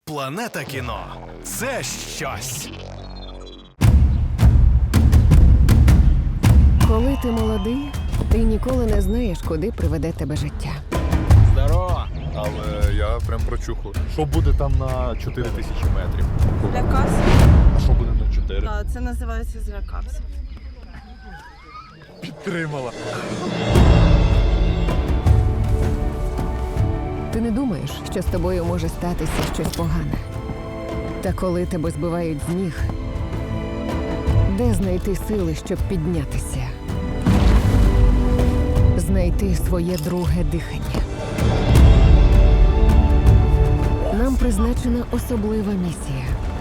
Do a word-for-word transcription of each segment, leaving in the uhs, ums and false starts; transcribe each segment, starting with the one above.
Планета кіно – це щось. Коли ти молодий, ти ніколи не знаєш, куди приведе тебе життя. Здорово! Але я прям прочухав. Що буде там на чотири тисячі метрів? Злякався. А що буде на чотири? А, Це називається злякався. Підтримала. Ти не думаєш, що з тобою може статися щось погане. Та коли тебе збивають з ніг, де знайти сили, щоб піднятися? Знайти своє друге дихання. Нам призначена особлива місія.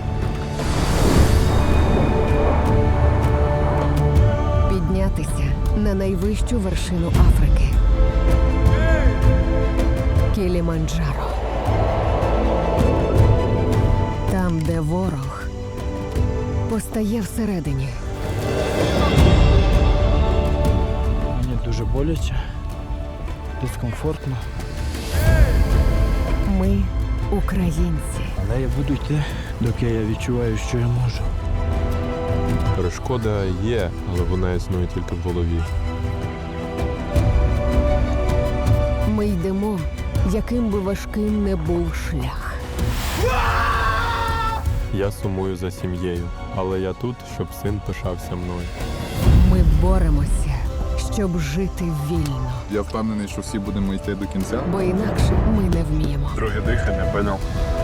Піднятися на найвищу вершину Африки. Кіліманджаро. Там, де ворог постає всередині. Мені дуже боляче, дискомфортно. Ми українці. Але я буду йти, доки я відчуваю, що я можу. Перешкода є, але вона існує тільки в голові. Ми йдемо, яким би важким не був шлях. Я сумую за сім'єю, але я тут, щоб син пишався мною. Ми боремося, щоб жити вільно. Я впевнений, що всі будемо йти до кінця. Бо інакше ми не вміємо. Друге дихання, поняв?